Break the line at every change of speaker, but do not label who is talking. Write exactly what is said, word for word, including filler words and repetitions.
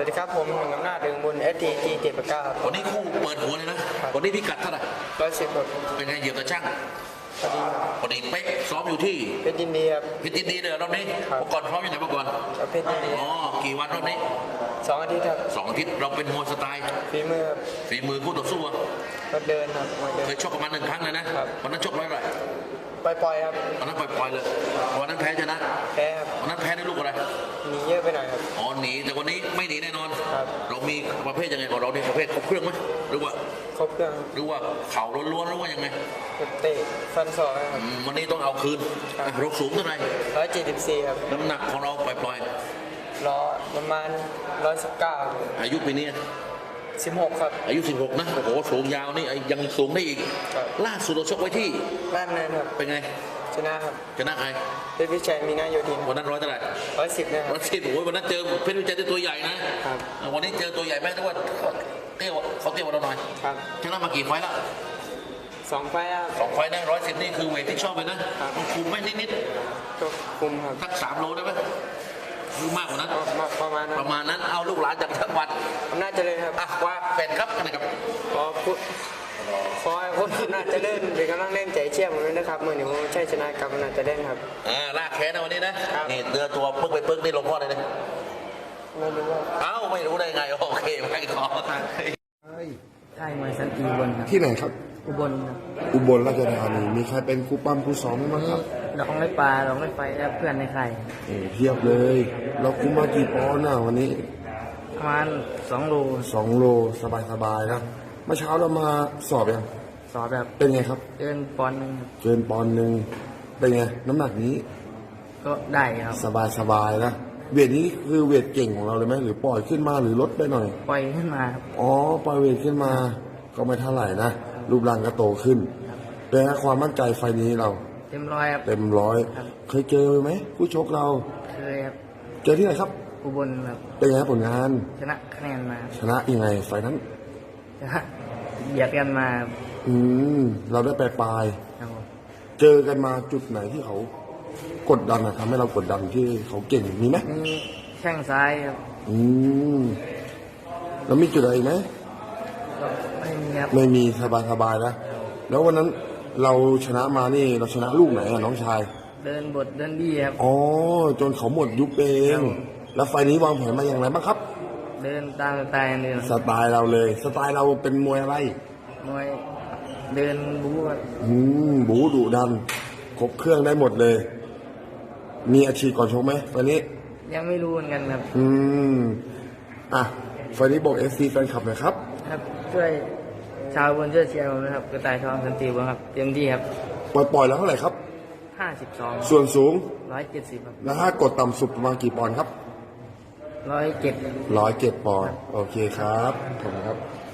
วัสดีครับผมหนึ่งอำนาจเรืองบุญเอสทีจีเจ็ดประกาศ
วันนี้คู่เปิดหัวเลยนะวันนี้พิกัดเท่าไหร่
ร้อยสิบครับ
เป็นไงเหยียบกระช่าง
พอดีครับ
พอดีเป๊ะซ้อมอยู่ที่
เพชรยินดีครับ
พิจิตรดีเลยรอบนี้
ครับ
เมื่อก่อนซ้อมอยู่ไหนเมื่อก่อน
กับเพชรยินดี
อ๋อกี่วันรอบนี้
สองอาทิตย์ครับ
สองอาทิตย์เราเป็นมวยสไตล์
ฝีมือครับ
ฝีมือคู่ต่อสู้อะ
ก็เดินครับมวยเดิน
เคยชกกันมาหนึ่งครั้งเลยนะครับวันนั้นชกร้อยเท่าไหร่
ปล่อยๆครับ
วันนั้นปล่อยๆเลยวันนั้นแพ้ชนะ
แพ้ครับ
วันนั้นแพ้ได้ลูกอะไร
หนีเยอะไปหน่อยครับ
อ๋อหนีแต่วันนี้ไม่หนีแน่นอน
ครับ
เรามีประเภทยังไงของเราเนี่ยประเภทครบเครื่องไหมหรือว่า
ครบเครื่อง
หรือว่าเข่าล้วนๆหรือว่ายังไง
ครับเตะฟันศอกครับ
อืมวันนี้ต้องเอาคืน
ครับ
อ่ะเราสูงเท่าไหร่
ร้อยเจ็ดสิบสี่ครับ
น้ำหนักของเราปล่อย
ล้อประมาณร้อยสิบเก้า
ๆอายุปีนี้
สิบหกครับ
อายุสิบหกนะโอ้โหสูงยาวนี่ไอ้ยังสูงได้อีก
ครับ
ล่าสุดเราชกไว้ที่
บ้านนั้นครับ
เป็นไง
ชนะครับ
ชนะใคร
เพชรวิชัยมีหน้าโยธิน
วันนั้นร้อยเท่าไหร่
ร้อยสิบนะค
ร้
รั
อบ ยสิบโอ้ยวันนั้นเจอเพชรวิจัยที่ตัวใหญ่นะครับ วันนี้เจอตัวใหญ่ไหมนึกว่าเตี้ยวเขาเตี้ยวกว่าเราหน่อย
ครับ
ชนะมากี่ไฟล์ละ
สองไฟล์ครับ
สองไฟล์นะร้อยสิบนี่คือเวทที่ชอบเลยนะครับ มันคุมไม่นิด
ก็คุมครับ
ๆสักสามโลได้ไหมหรือมากกว่านั้น
ก็มาประมาณนั้น
ประมาณนั้นเอาลูกหลานจากจังหวัด
อำนาจเจริญครับ
อ่ะว่าแฟนครับกันนะครับ
ขอพูดขอให้คนอำนาจเจริญเป็นกำลังแรงใจเชี่ยผมด้วยนะครับเมื่อหนึ่งใช่ชนะกับอำนาจเจริญครับ
อ่าลากแขนนะวันนี้นะครับ นี่เดือตัวปึ๊กไปปึ๊กนี่ลงข้อเลยนะ
ไม่รู้ว่า
เอ้าไม่รู้ได้ไงโอเคไม่ขอ
ใช่มวยสันติอุบลครับ
ที่ไหนครับ
อุบลครับ
อุบลราชธานีมีใครเป็นครูปั้มครูสอนบ้างครับ
ลองไม่ปลาลองไม่ไฟและเพื่อนในใคร
โอ้เทียบเลย เราคุมมากี่ปอนด์น่ะวันนี้
ประมาณสองโล
สองโลสบายสบายๆนะเมื่อเช้าเรามาสอบยัง
สอบแบบ
เป็นไงครับ
เดินปอนด์หนึ่งครับ
เกินปอนด์หนึ่งเป็นไงน้ำหนักนี้
ก็ได้ครับ
สบายสบายๆนะเวทนี้คือเวทเก่งของเราเลยไหมหรือปล่อยขึ้นมาหรือลดไปหน่อย
ปล่อยขึ้นมาครับ
อ๋อปล่อยเวทขึ้นมาก็ไม่เท่าไหร่นะรูปร่างก็โตขึ้นเป็นไงความมั่นใจไฟล์นี้เรา
เต็มร้อยครับ
เต็มร้อย
ครับ
เคยเจอไหมผู้ชกเรา
เคยครับ
เจอที่ไหนครับ
อุบลครับ
เป็นไงผลงาน
ชนะคะแนนมา
ชนะยังไงไฟล์นั้น
ชนะเบียดกันมาครับ
อืม เราได้ไปปลาย
ครับผม
ๆเจอกันมาจุดไหนที่เขากดดันอะทำให้เรากดดันที่เขาเก่งมีไหม
มีแข้งซ้ายครับ
อืมแล้วมีจุดอะไรอีกไหม
ก็ไม่มีครับ
ไม่มีสบายๆนะแล้ววันนั้นเราชนะมานี่เราชนะลูกไหนอะน้องชาย
เดินบทเดินดีครับ
อ๋อจนเขาหมดยุบเอง แล้วไฟล์นี้วางแผนมาอย่างไรบ้างครับ
เดินตามสไตล์เดิน
สไตล์เราเลย สไตล์เราเป็นมวยอะไร
มวยเดินบู๊ครับ
อืมบูดุดันครบเครื่องได้หมดเลย มีอาชีพก่อนชกไหมวันนี้
ยังไม่รู้เหมือนกันครับ
อืม อ่ะไฟล์นี้บอกเอฟซีแฟนคลับหน่อยครับ
ครับช่วยชาวบนช่วยเชียร์ผมนะครับกระต่ายทองสันติวงศ์ครับเต็มที่ครับ
ปล่อยปล่อยแล้วเท่าไหร่ครับ
ห้าสิบสอง
ส่วนสูง
ร้อยเจ็ดสิบครับ
แล้วถ้ากดต่ำสุดประมาณกี่ปอนด์ครับ
ร้อยเจ็ด
ร้อยเจ็ดปอนด์โอเคครับขอบคุณครับ